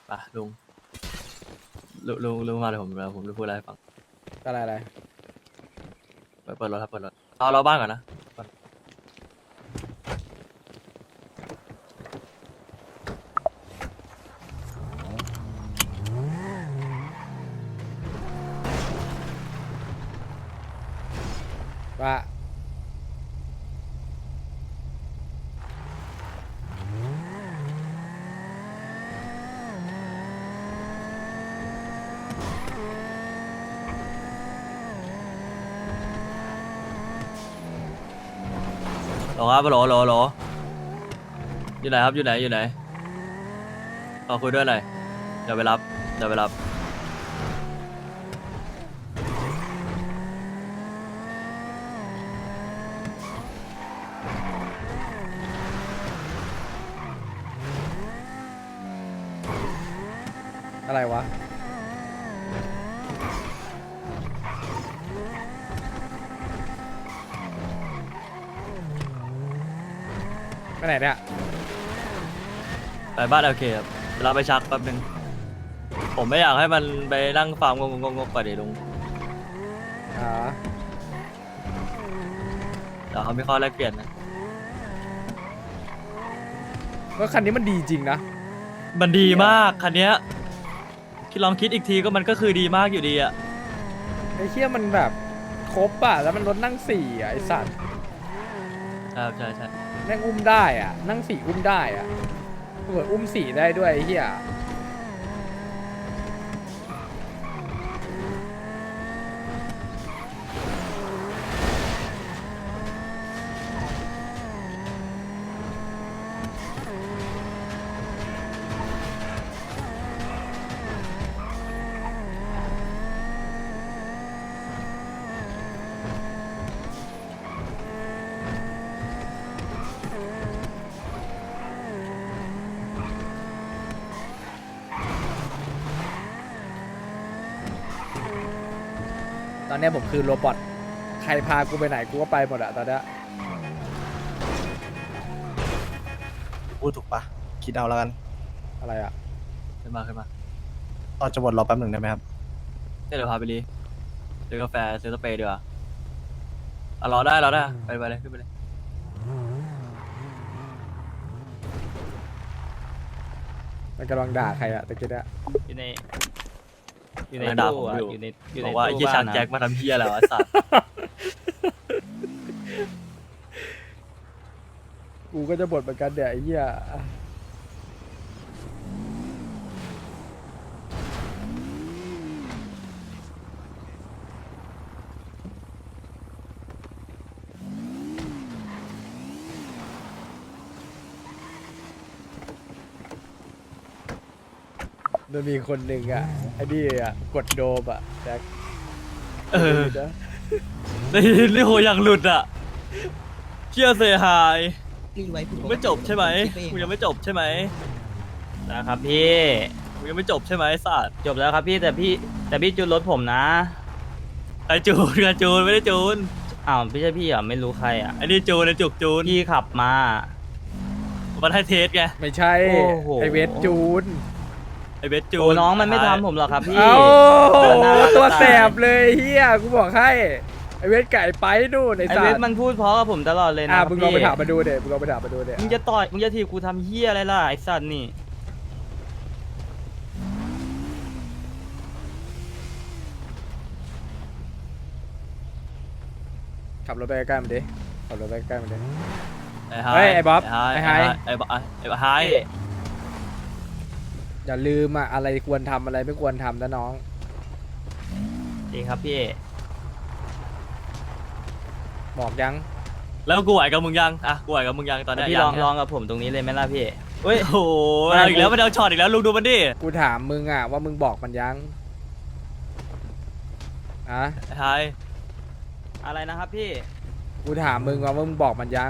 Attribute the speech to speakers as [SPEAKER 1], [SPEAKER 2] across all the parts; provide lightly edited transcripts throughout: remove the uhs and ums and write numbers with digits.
[SPEAKER 1] ไปลุงมาเดี๋ยวผมจะพูดอะไรให้ฟัง
[SPEAKER 2] อะไร
[SPEAKER 1] เปิดรถครับเปิดรถเราบ้านก่อนนะก่อน
[SPEAKER 2] ว่า
[SPEAKER 1] รอครับรออยู่ไหนครับอยู่ไหนขอคุยด้วยหน่อยเดี๋ยวไปรับ
[SPEAKER 2] อะไรวะไปไหนเนี่ย
[SPEAKER 1] ไปบ้านโอเคครับเราไปชักแป๊บนึงผมไม่อยากให้มันไปนั่งฟาร์มงกๆก่อนดิลุง
[SPEAKER 2] อ๋อ
[SPEAKER 1] เดี๋ยวเขามีข้อแลกเปลี่ยนนะ
[SPEAKER 2] ว่าคันนี้มันดีจริงนะ
[SPEAKER 1] มันดีมากคันเนี้ยลองคิดอีกทีก็มันก็คือดีมากอยู่ดีอะ
[SPEAKER 2] ไอ้เชี่ยมันแบบครบอ่ะแล้วมันรถนั่งสี่อ่ะไอสัตว์
[SPEAKER 1] ครับใช่
[SPEAKER 2] แม่งอุ้มได้อ่ะนั่งสี่อุ้มได้อ่ะเหมือนอุ้มสี่ได้ด้วยไอ้เหี้ยตอนเนี้ยผมคือโรบอทใครพากูไปไหนกูก็ไปหมดอะตอนเนี้ย
[SPEAKER 3] พูดถูกปะคิดเอาแล้วกัน
[SPEAKER 2] อะไรอะ
[SPEAKER 1] ขึ้นมา
[SPEAKER 3] ตอนจะบดรอแป๊บหนึ่งได้ไหมครับ
[SPEAKER 1] เดี๋ยวพาไปรีซื้อกาแฟซื้อสเปรย์ดีกว่ารอได้ไปเลยขึ้นไปเลย
[SPEAKER 2] มันกำลังด่าใครอะตะกี้เนี่ย
[SPEAKER 4] อยู่ในอยู่ใน
[SPEAKER 1] กำลังด่า
[SPEAKER 4] ตู้
[SPEAKER 1] ผม
[SPEAKER 4] อะ
[SPEAKER 1] อยู่
[SPEAKER 4] อยู่ในอยู่
[SPEAKER 1] บ
[SPEAKER 4] ใน
[SPEAKER 1] อกว่าไอ้
[SPEAKER 4] ตู้
[SPEAKER 1] เหี้ย
[SPEAKER 4] บ้า
[SPEAKER 1] ชาน
[SPEAKER 4] นะ
[SPEAKER 1] แจ็คมาทำเหี้ยอะไรวะสัตว์
[SPEAKER 2] กูก็จะบ่นเหมือนกันเดี๋ยวไอ้เหี้ยมันมีคนหนึ่งอะไอ้นี่อะกดโดมอะแจ็ค
[SPEAKER 1] เออ
[SPEAKER 2] นะ
[SPEAKER 1] นี่โหอย่างหลุดอ่ะเชี่ยเสียหาย
[SPEAKER 5] รีไว้ผิดปกติ
[SPEAKER 1] ไม่จบใช่ไหม
[SPEAKER 5] คิดปเอง
[SPEAKER 1] กูยังไม่จบใช่ไหม
[SPEAKER 4] นะครับพี่
[SPEAKER 1] กูยังไม่จบใช่ไหมสัตว์
[SPEAKER 4] จบแล้วครับพี่แต่พี่จูนรถผมนะ
[SPEAKER 1] ไอจูนไม่ได้จูน
[SPEAKER 4] อ้าวไม่ใช่พี่เหรอไม่รู้ใครอ่ะ
[SPEAKER 1] ไอนี่จูนไอจุกจูน
[SPEAKER 4] พี่ขับมา
[SPEAKER 1] มันให้เทสไง
[SPEAKER 2] ไม่ใช่
[SPEAKER 4] โอ้โห
[SPEAKER 2] ไอเวทจูน
[SPEAKER 1] ไอเบสจู
[SPEAKER 4] โอ้
[SPEAKER 1] น
[SPEAKER 4] น้องมันไม่ทำผมหรอกครับพี่
[SPEAKER 2] เอ้า
[SPEAKER 4] น่ารัก
[SPEAKER 2] ตัว
[SPEAKER 4] จะตาย
[SPEAKER 2] แสบเลยเฮียกูบอกให้ไอเวทไก่ไปนู่นไอ
[SPEAKER 4] ไอ
[SPEAKER 2] สั
[SPEAKER 4] เว
[SPEAKER 2] ต
[SPEAKER 4] ท
[SPEAKER 2] ว์
[SPEAKER 4] มันพูดเพราะกับผมตลอดเลยนะ
[SPEAKER 2] อ่ะ
[SPEAKER 4] ครับ
[SPEAKER 2] มึงลองไป
[SPEAKER 4] พี่
[SPEAKER 2] ถามมาดูเด็มึงลองไปถามมาดูเด็
[SPEAKER 4] มึงจะต่อยมึงจะถีบกูทำเฮี้ยอะไรล่ะไอสัตว์นี่
[SPEAKER 2] ขับรถไปใกล้ๆมันดิขับรถไปใกล้ๆมันดิ
[SPEAKER 1] ไอ้ไฮ
[SPEAKER 2] เฮ้ยไอ้บ๊อบ
[SPEAKER 1] ไอ้
[SPEAKER 2] ไอ้
[SPEAKER 1] ไฮ
[SPEAKER 2] ไฮ
[SPEAKER 1] ไอ้บ๊อบไอ้ไฮ
[SPEAKER 2] อย่าลืมอ่ะอะไรควรทำอะไรไม่ควรทำนะน้อง
[SPEAKER 4] ดีครับพี่
[SPEAKER 2] บอกยัง
[SPEAKER 1] แล้วกูไหวกับมึงยังอ่ะกูไหวกับมึงยังตอนเนี้ย
[SPEAKER 4] พี่
[SPEAKER 1] ยั
[SPEAKER 4] ลองกับผมตรงนี้เลยไหมล่ะพี่เฮ้ย
[SPEAKER 1] โอ้โหเอาอีกแล้วมันเอาช็อตอีกแล้วลุงดูมันดิ
[SPEAKER 2] กูถามมึงอ่ะว่ามึงบอกมันยังอะ
[SPEAKER 1] ไอ้ไฮ
[SPEAKER 4] อะไรนะครับพี่
[SPEAKER 2] กูถามมึงว่ามึงบอกมันยัง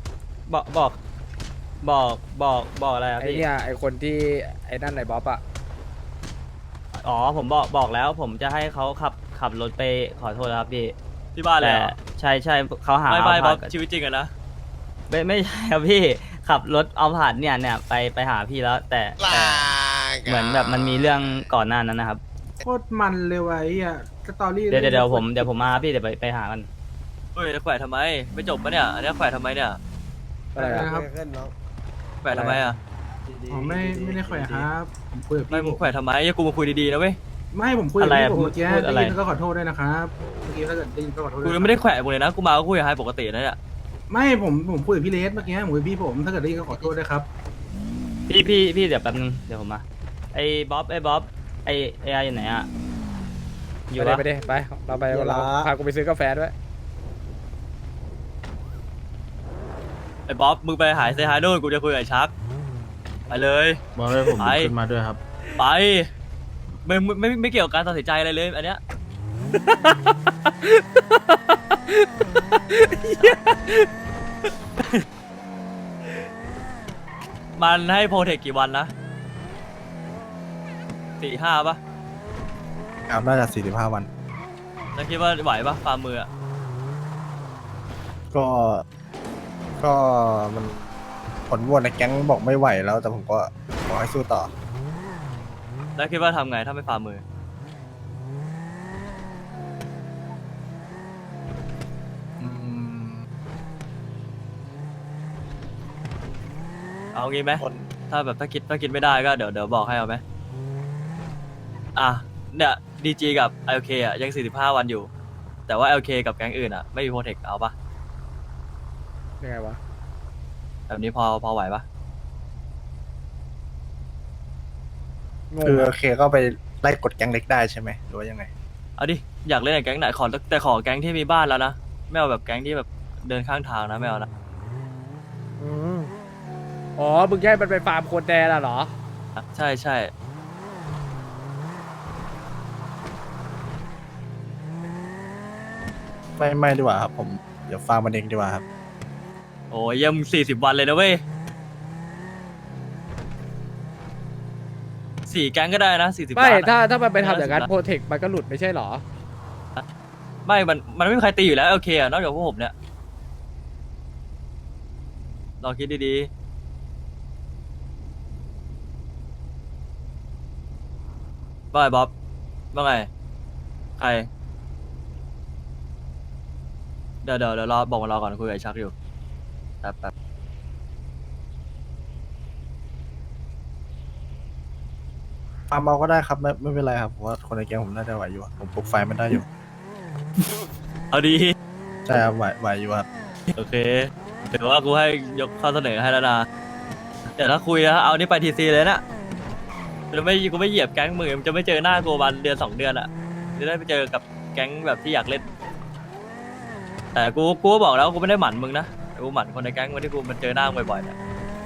[SPEAKER 4] บอกอะไรครับ
[SPEAKER 2] ไอ
[SPEAKER 4] พี่
[SPEAKER 2] เนี่ยไอคนที่ไอนั่นไอบ๊อบอ่ะ
[SPEAKER 4] อ๋อผมบอกแล้วผมจะให้เขาขับรถไปขอโทษแล้วครับพี่
[SPEAKER 1] ที่บ้านเลย
[SPEAKER 4] แต่
[SPEAKER 1] เหรอ
[SPEAKER 4] ใช่เขาหา
[SPEAKER 1] ไม่
[SPEAKER 4] เอา
[SPEAKER 1] ไม่บ๊
[SPEAKER 4] ผ่า
[SPEAKER 1] อน บ
[SPEAKER 4] กับ
[SPEAKER 1] ชีวิตจริงอะนะ
[SPEAKER 4] ไม่ใช่ครับพี่ขับรถเอาผ่านเนี่ยไปหาพี่แล้วแต่เหมือนแบบมันมีเรื่องก่อนหน้านั้นนะครับ
[SPEAKER 5] โคตรมันเลยว่ะไอ้อ่ะสตอรี่
[SPEAKER 4] เดี๋ยวผมมาครับพี่เดี๋ยวไปหากัน
[SPEAKER 1] เฮ้ยแล้วแขวะทำไมไม่จบปะเนี่ยอันนี้แขวะทำไมเนี่ย
[SPEAKER 2] อะไรอะ
[SPEAKER 5] นะครับ
[SPEAKER 1] แขวะทำไมอ่ะ
[SPEAKER 5] ผมไม่ได้แขวะครับผมคุยกับ
[SPEAKER 1] ไม่
[SPEAKER 5] พี่
[SPEAKER 1] มึงแขวะทำไมอย่ากูมาคุยดีๆนะเว้ย
[SPEAKER 5] ไม่ผมคุยกับ
[SPEAKER 4] อะไร
[SPEAKER 5] พี่
[SPEAKER 4] อะ
[SPEAKER 5] ผมเมื่อกี้
[SPEAKER 4] พูดอะไร
[SPEAKER 5] ได้ยินก็ขอโทษด้วยนะครับเมื่อกี้ถ้าเกิดได้ยินก็ขอโทษ
[SPEAKER 1] กู
[SPEAKER 5] ด้วย
[SPEAKER 1] ยังไม่ได้แขวะมึงเลยนะกูมาก็คุยกับไฮปกตินะเนี่ย
[SPEAKER 5] ไม่ผมคุยกับพี่เลสเมื่อกี้ผมคุยกับพี่ผมถ้าเกิดได้ยินก็ขอโทษด้วยครับ
[SPEAKER 4] พี่เดี๋ยวแป๊บนึงเดี๋ยวผมมาไอ้บ๊อบไอ้ไอ้อยู่ไหนอะอยู่
[SPEAKER 2] ไป
[SPEAKER 4] ปะ
[SPEAKER 2] ดิไปเราไปเราพากูไปซื้อกาแฟด้วย
[SPEAKER 1] ไอ้บ๊อบมึงไปหายเซฮายนู่นกูจะคุยกับไอ้ชักไปเลย
[SPEAKER 6] บอกเลยผม
[SPEAKER 1] ไป
[SPEAKER 6] ขึ้นมาด้วยครับ
[SPEAKER 1] ไปไม่เกี่ยวกับการตัดสินใจอะไรเลยอันเนี้ย มันให้โปรเทคกี่วันนะ4-5ปะ
[SPEAKER 3] ครับน่าจะ45 วัน
[SPEAKER 1] แล้วคิดว่าไหวปะฟาร์มมืออะ
[SPEAKER 3] ก็ ก็มันผลโหวตในแก๊งบอกไม่ไหวแล้ว แต่ผมก็ขอให้สู้ต่อ
[SPEAKER 1] แล้วคิดว่าทำไงถ้าไม่ฟาร์มมือ
[SPEAKER 3] อืม
[SPEAKER 1] เอางี้ไหม
[SPEAKER 3] คน
[SPEAKER 1] ถ้าแบบถ้าคิดไม่ได้ก็เดี๋ยวบอกให้เอาไหมอ่ะเนี่ยดีจีกับ LK อ่ะยัง45 วันอยู่ แต่ว่า LK กับแก๊งอื่นอ่ะไม่มีโปรเทคเอาปะ
[SPEAKER 2] ยังไงวะ
[SPEAKER 1] แบบนี้พอไหวปะ
[SPEAKER 2] งง
[SPEAKER 3] คือโอ
[SPEAKER 2] อะ
[SPEAKER 3] เคก็ไปไล่กดแก๊งเล็กได้ใช่ไหมหรือว่ายังไง
[SPEAKER 1] เอาดิอยากเล่นกับแก๊งไหนแต่ขอแก๊งที่มีบ้านแล้วนะไม่เอาแบบแก๊งที่แบบเดินข้างทางนะไม่เอานะ
[SPEAKER 2] อืมอ๋อมึงแค่มันไปฟาร์มโคนแดนอะเหรอ
[SPEAKER 1] ใช่ใช่
[SPEAKER 3] ไม่ดีกว่าครับผมเดี๋ยวฟาร์มมันเองดีกว่าครับ
[SPEAKER 1] โอ้ยยัง40 วันเลยนะเว้ย4 แก๊งก็ได้นะ40
[SPEAKER 2] ไม่
[SPEAKER 1] ล้านอะ
[SPEAKER 2] ถ้ามันไปทำอย่างนั้น
[SPEAKER 1] 50
[SPEAKER 2] โปรเทคมันก็หลุดไม่ใช่เหรอ
[SPEAKER 1] ไม่มันไม่มีใครตีอยู่แล้วโอเคอะนอกจากพวกผมเนี่ยลองคิดดีๆว่าไงบ๊อบว่าไงใครเดี๋ยวรอบอกมารอก่อนคุยกับไอ้ชักอยู่แป๊บ
[SPEAKER 3] ฟาร์มเอาก็ได้ครับไม่เป็นไรครับผมว่าคนในแก๊งผมน่าจะไหวอยู่อะผมปลุกไฟมันได้อยู่
[SPEAKER 1] เอาดี
[SPEAKER 3] ใช่ครับไหวอยู่ครับ
[SPEAKER 1] โอเคเดี๋ยวว่ากูให้ยกข้อเสนอให้แล้วนะเดี๋ยวถ้าคุยนะเอานี่ไปทีซีเลยนะกูไม่เหยียบแก๊งมือมันจะไม่เจอหน้ากูวันเดือน2 เดือนอ่ะจะได้ไปเจอกับแก๊งแบบที่อยากเล่น แต่กูก็บอกแล้วกูไม่ได้หมั่นมึงนะแต่กูหมั่นคนในแก๊งวันที่กูมันเจอหน้ามึงบ่อยๆเนี่ย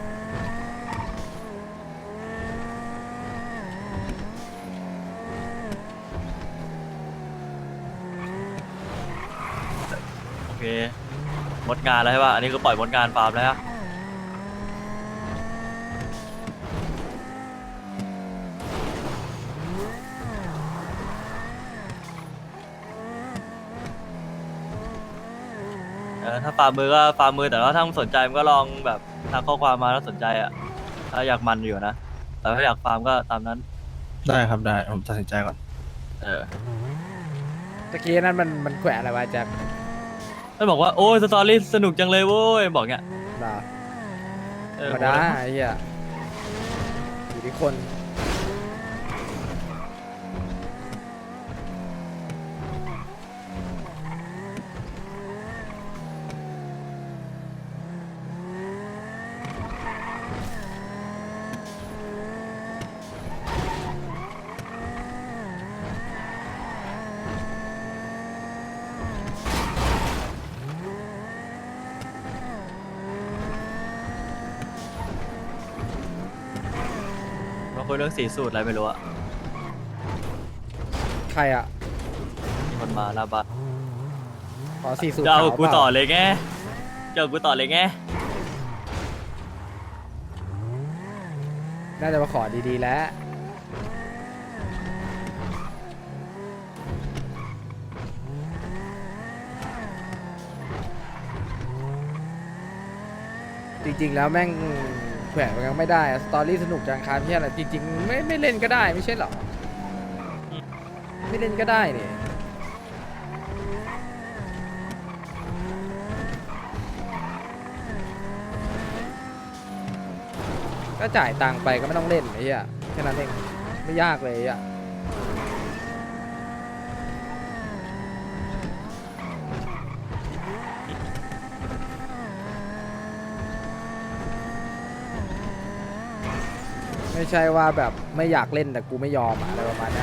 [SPEAKER 1] โอเคหมดงานแล้วใช่ป่ะอันนี้ก็ปล่อยหมดงานฟาร์มแล้วฮะถ้าฟาร์มมือก็ฟาร์มมือแต่ว่าถ้ามึงสนใจมึงก็ลองแบบทักข้อความมาถ้าสนใจอ่ะถ้าอยากมันอยู่นะแต่ถ้าอยากฟาร์มก็ตามนั้น
[SPEAKER 3] ได้ครับได้ผมตัดสินใจก่อน
[SPEAKER 2] ตะกี้นั้นมันแขวะอะไรวะแจ็ค
[SPEAKER 1] มันบอกว่าโอ้ยสตอรี่สนุกจังเลยโว้ยบอกเงี้ย
[SPEAKER 2] เหรอ
[SPEAKER 1] เออ
[SPEAKER 2] ธรรมดาไอ้เหี้ยอยู่ที่คน
[SPEAKER 1] มาคุยเรื่องสีสูตรอะไรไม่รู้อะ
[SPEAKER 2] ใครอ่ะ
[SPEAKER 1] มีคนมาหน้าบ้าน
[SPEAKER 2] ขอสี่สูตร
[SPEAKER 1] จะเอา
[SPEAKER 2] ขาว
[SPEAKER 1] กู
[SPEAKER 2] เปล่า
[SPEAKER 1] ต่อเลยไงจะเอากูต่อเลยไง
[SPEAKER 2] น่าจะมาขอดีๆแล้ว จริงๆแล้วแม่งแขวนมันยังไม่ได้อะสตอรี่สนุกจังครับที่อะไรจริงๆไม่เล่นก็ได้ไม่ใช่เหรอไม่เล่นก็ได้นี่ก็จ่ายตังค์ไปก็ไม่ต้องเล่นไอ้เหี้ยแค่นั้นเองไม่ยากเลยอ่ะไม่ใช่ว่าแบบไม่อยากเล่นแต่กูไม่ยอมอะอะไรประมาณเนี้ย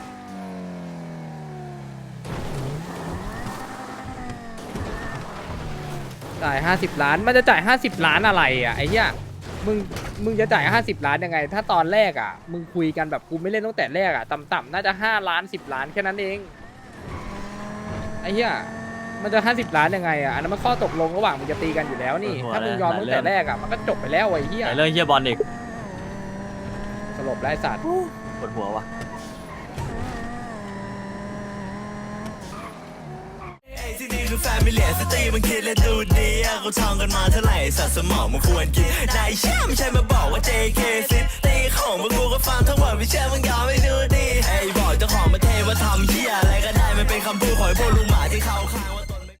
[SPEAKER 2] จ่าย50 ล้านมันจะจ่าย50 ล้านอะไรอ่ะไอ้เหี้ยมึงจะจ่าย50 ล้านยังไง ถ้าตอนแรกอ่ะมึงคุยกันแบบกูไม่เล่นตั้งแต่แรกอ่ะต่ำๆน่าจะ5 ล้าน10 ล้านแค่นั้นเองไอ้เหี้ยมันจะ50 ล้านยังไงอ่ะอันนั้นมันข้อตกลงระหว่างมึงจะตีกันอยู่แล้วนี่ถ้ามึงยอมตั้งแต่แรกอ่ะมันก็จบไปแล้วไอ้เหี้ย
[SPEAKER 1] แต่เรื่องเฮียบอลอีก
[SPEAKER 2] สลบไร้สัตว์
[SPEAKER 1] ปวดหัวว่ะ
[SPEAKER 6] ที่นี่คือแฟมิเลียสตรีมันคิดและดูดีอะเขาท่องกันมาเท่าไหร่สัตว์สมองมันควรกินนายเชื่อไม่ใช่มาบอกว่า JK ซิตี้ของพวกกูก็ฟังทั้งหมดไม่เชื่อมึงยอมไม่